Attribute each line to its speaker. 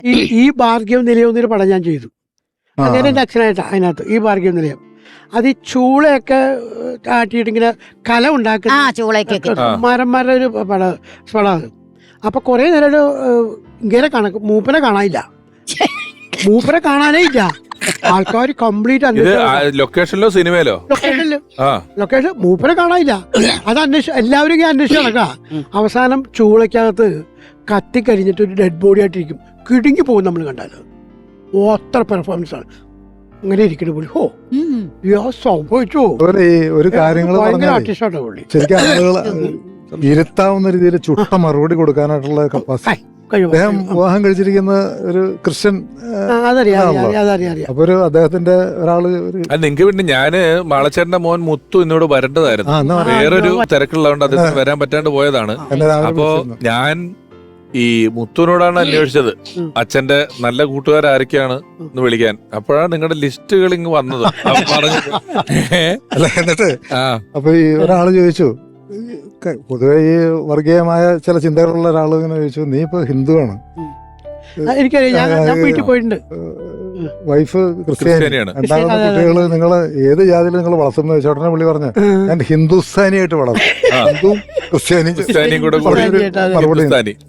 Speaker 1: ഈ ഭാർഗ്യം നിലയം എന്നൊരു പടം ഞാൻ ചെയ്തു. അങ്ങനെ എൻ്റെ അച്ഛനായിട്ടാണ് അതിനകത്ത് ഈ ഭാർഗ്യം നിലയം. അത് ഈ ചൂളയൊക്കെ ആട്ടിയിട്ട് ഇങ്ങനെ കല ഉണ്ടാക്കുന്ന മരന്മാരുടെ ഒരു പടം. അപ്പൊ കുറെ നേരം ഒരു ഇങ്ങനെ മൂപ്പനെ കാണാനില്ല, മൂപ്പനെ കാണാനേ ഇല്ല. ആൾക്കാർ കംപ്ലീറ്റ്
Speaker 2: ലൊക്കേഷനിലോ സിനിമയിലോ
Speaker 1: ലൊക്കേഷൻ മൂപ്പനെ കാണാനില്ല. അത് എല്ലാവരും ഇങ്ങനെ അന്വേഷിച്ച് നടക്കുക. അവസാനം ചൂളയ്ക്കകത്ത് കത്തിക്കരിഞ്ഞിട്ട് ഒരു ഡെഡ് ബോഡി ആയിട്ടിരിക്കും, കിടുങ്ങി പോകും നമ്മൾ കണ്ടാൽ. അത്ര പെർഫോമൻസ് ആണ്. അങ്ങനെ ഇരിക്കണ പുള്ളി. ഹോ സംഭവിച്ചു
Speaker 3: ഒരു കാര്യങ്ങൾ
Speaker 1: ആർട്ടിസ്റ്റാണ് പുള്ളി.
Speaker 3: ശരിക്കും ആളുകൾ ഇരുത്താവുന്ന രീതിയിൽ ചുട്ട മറുപടി കൊടുക്കാനായിട്ടുള്ള കപ്പാസിറ്റി. അദ്ദേഹം വിവാഹം കഴിച്ചിരിക്കുന്ന ഒരു ക്രിസ്ത്യൻ. അപ്പൊ ഒരു അദ്ദേഹത്തിന്റെ ഒരാള്
Speaker 2: നിങ്ങക്ക് പിന്നെ ഞാന് മാളച്ചേട്ടന്റെ മോൻ മുത്തു എന്നോട് വരേണ്ടതായിരുന്നു, വേറൊരു തിരക്കുള്ളതുകൊണ്ട് അദ്ദേഹത്തിന് വരാൻ പറ്റാണ്ട് പോയതാണ്. അപ്പോ ഞാൻ ഈ മുത്തുവിനോടാണ് അന്വേഷിച്ചത് അച്ഛന്റെ നല്ല കൂട്ടുകാർ ആരൊക്കെയാണ് എന്ന് വിളിക്കാൻ. അപ്പോഴാണ് നിങ്ങളുടെ ലിസ്റ്റുകൾ ഇങ്ങ് വന്നത്.
Speaker 3: എന്നിട്ട് അപ്പൊ ഈ ഒരാള് ചോദിച്ചു, പൊതുവെ ഈ വർഗീയമായ ചില ചിന്തകളുള്ള ഒരാൾ ഇങ്ങനെ ചോദിച്ചു, നീ ഇപ്പൊ ഹിന്ദുവാണ്, വൈഫ് ക്രിസ്ത്യാനിയാണ്, രണ്ടാമത്തെ കുട്ടികള് നിങ്ങള് ഏത് ജാതിയിൽ നിങ്ങൾ വളർത്തുന്ന ചോദിച്ചു. ഉടനെ പുള്ളി പറഞ്ഞു, ഞാൻ ഹിന്ദുസ്ഥാനിയായിട്ട് വളർത്തും, ഹിന്ദുവും ക്രിസ്ത്യാനിയും കൂടെ മറുപടി.